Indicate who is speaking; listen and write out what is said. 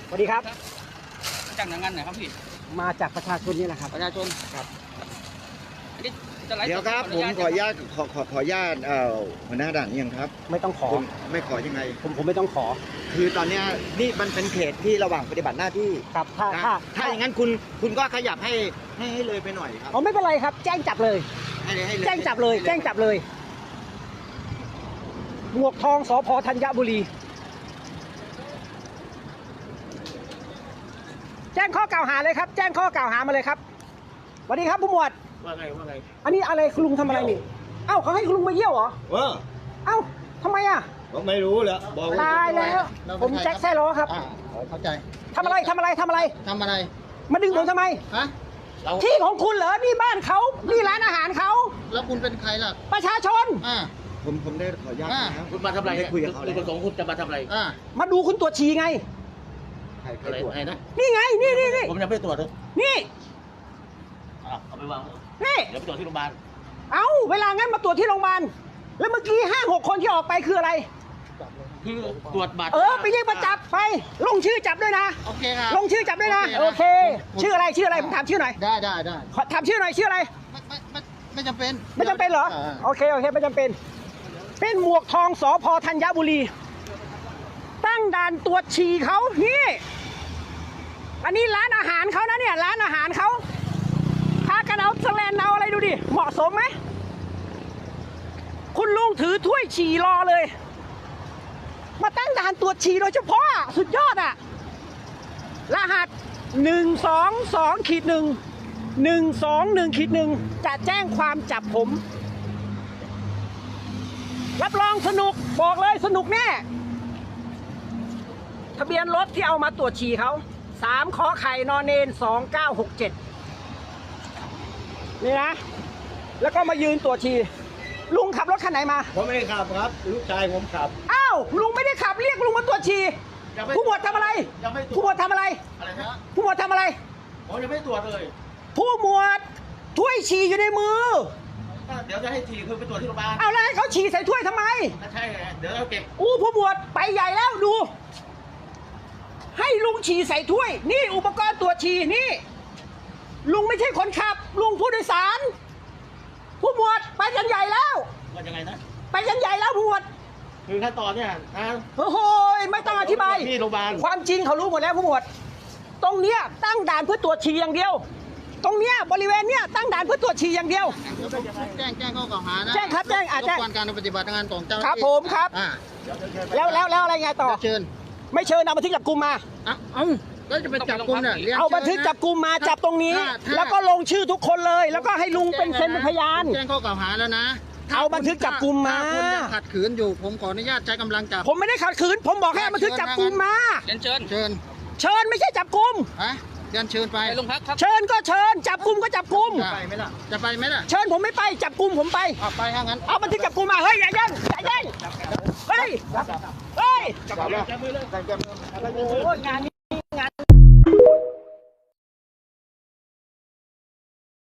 Speaker 1: สวัสดีครับ
Speaker 2: จากหน่วยงานไหนครับพี่
Speaker 1: มาจากประชาชนนี่แหละครับ
Speaker 2: ประชาชน
Speaker 1: ครับ
Speaker 3: เดี๋ยวครับผมขออนุญาตขออนุญาตหัวหน้าด่านยังครับ
Speaker 1: ไม่ต้องขอ
Speaker 3: ไม่ขอยังไง
Speaker 1: ผมไม่ต้องขอ
Speaker 3: คือตอนนี้นี่มันเป็นเขตที่ระหว่างปฏิบัติหน้าที่
Speaker 1: ครับ
Speaker 3: ถ้าอย่างนั้นคุณก็ขยับให้เลยไปหน่อยครับ
Speaker 1: อ๋อไม่เป็นไรครับแจ้งจับเลยแจ้งจับเลยหมวกทองสภ.ธัญบุรีแจ้งข้อกล่าวหาเลยครับแจ้งข้อกล่าวหามาเลยครับสวัสดีครับผู้หมวด
Speaker 3: ว่าไง
Speaker 1: อันนี้อะไรคุณลุงทำอะไรนี่เอ้าเขาให้คุณลุงมาเยี่ยวเหรอเอ้าทำไมอ่ะ
Speaker 3: ผมไม่รู้แล้ว
Speaker 1: ตายแล้วผมแจ็คแซ่ล้อครับ
Speaker 3: เข้าใจ
Speaker 1: ทำอะไรมาดึงผมทำไมที่ของคุณเหรอนี่บ้านเขานี่ร้านอาหารเขา
Speaker 4: แล้วคุณเป็นใครล่ะ
Speaker 1: ประชาชน
Speaker 3: ผมได้ขออนุญาตนะ
Speaker 2: คุณมาทำอะไรคุยกับเขาเลยคุณสองคุณจะมาทำอะไร
Speaker 1: มาดูคุณตรวจฉี่ไง
Speaker 2: อะไรนะ
Speaker 1: นี่ไงนี่
Speaker 2: ผมยังไม่ตรวจเลย
Speaker 1: นี่
Speaker 2: เอาไปวาง
Speaker 1: นี่
Speaker 2: เดี๋ยวไปตรวจที่โรงพยาบาล
Speaker 1: เอาเวลางั้นมาตรวจที่โรงพยาบาลแล้วเมื่อกี้5-6 คนที่ออกไปคืออะไร
Speaker 2: คือตรวจบัตร
Speaker 1: ไปเรียกมาจับไปลงชื่อจับด้วยนะ
Speaker 4: โอเคครับ
Speaker 1: ลงชื่อจับด้วยนะโอเคชื่ออะไรผมถามชื่อหน่อย
Speaker 4: ได้
Speaker 1: ถามชื่อหน่อยชื่ออะไร
Speaker 4: ไม่จำเป็น
Speaker 1: เหรอโอเคไม่จำเป็นเป็นหมวกทองสภ.ธัญบุรีตั้งด่านตรวจฉี่เขานี่อันนี้ร้านอาหารเขานะเนี่ยร้านอาหารเขาพากันเอาสแลนเอาอะไรดูดิเหมาะสมไหมคุณลุงถือถ้วยฉี่รอเลยมาตั้งด่านตรวจฉี่โดยเฉพาะสุดยอดอะรหัส122-1 จะแจ้งความจับผมรับรองสนุกบอกเลยสนุกแน่ทะเบียนรถที่เอามาตรวจฉี่เขา3 ขอไข่นอนเนน 2967นี่นะแล้วก็มายืนตรวจฉี่ลุงขับรถคันไหนมา
Speaker 3: ผมไม่ได้ขับครับลูกชายผมขับ
Speaker 1: อ้าวลุงไม่ได้ขับเรียกลุงมาตรวจฉี่ผู้หมวดทำอะไรผู้หมวดทำอะไรผู้หมวดทำอะไร
Speaker 2: ผมยังไม่ตรวจเลย
Speaker 1: ผู้หมวดถ้วยฉี่อยู่ในมือ
Speaker 2: เดี๋ยวจะให้ฉี่คือไปตรวจที่โรงพยาบาล
Speaker 1: เอาแล้วให้เขาฉี่ใส่ถ้วยทำไม
Speaker 2: ใช่เดี๋ยวเราเก็บ
Speaker 1: ผู้หมวดไปใหญ่แล้วดูให้ลุงฉี่ใส่ถ้วยนี่อุปกรณ์ตรวจฉี่นี่ลุงไม่ใช่คนขับลุงผู้โดยสารผู้หมวดไปกันใหญ่แล้ว
Speaker 2: ว่ายังไงนะ
Speaker 1: ไปกันใหญ่แล้วผู้หมวด
Speaker 2: คือขั้นตอนเนี่ย
Speaker 1: โอ้โหไม่ต้องอธิบาย
Speaker 2: ที่โรงพยาบาล
Speaker 1: ความจริงเขารู้หมดแล้วผู้หมวดตรงเนี้ยตั้งด่านเพื่อตรวจฉี่อย่างเดียวตรงเนี้ยบริเวณเนี้ยตั้งด่านเพื่อตรวจฉี่อย่างเดียว
Speaker 4: แจ้งข้อกล่าวหานะ
Speaker 1: แจ้งครับแจ้ง
Speaker 4: แจ้งการปฏิบัติงานของเจ้าหน้าที่
Speaker 1: ครับผมครับแล้วอะไรไงต่อ
Speaker 4: เชิญ
Speaker 1: ไม่เชิญเอาบันทึกจับกุมมา
Speaker 4: ก็จะไปจับกุมเนี่ย
Speaker 1: เอาบันทึกจับกุมมาจับตรงนี้แล้วก็ลงชื่อทุกคนเลยแล้วก็ให้ลุงเป็นเซ็นเป็นพยาน
Speaker 4: แจ้งข้อกล่าวหาแล้วนะ
Speaker 1: เอาบันทึกจับกุมมา
Speaker 4: คุณยังขัดขืนอยู่ผมขออนุญาตใช้กำลังจับ
Speaker 1: ผมไม่ได้ขัดขืนผมบอกให้บันทึกจับกุมมา
Speaker 2: เ
Speaker 1: ชิญไม่ใช่จับกุม
Speaker 4: เชิญไป
Speaker 2: โรงพักครับ
Speaker 1: เชิญก็เชิญจับกุมก็จับกุม
Speaker 4: จะไปไหมล่ะ
Speaker 1: เชิญผมไม่ไปจับกุมผมไป
Speaker 4: ไปถ้างั้น
Speaker 1: เอาบันทึกจับกุมมาเฮ้ยอย่าแย่งเฮ้ยจับมือเลยโอ้ยงานนี้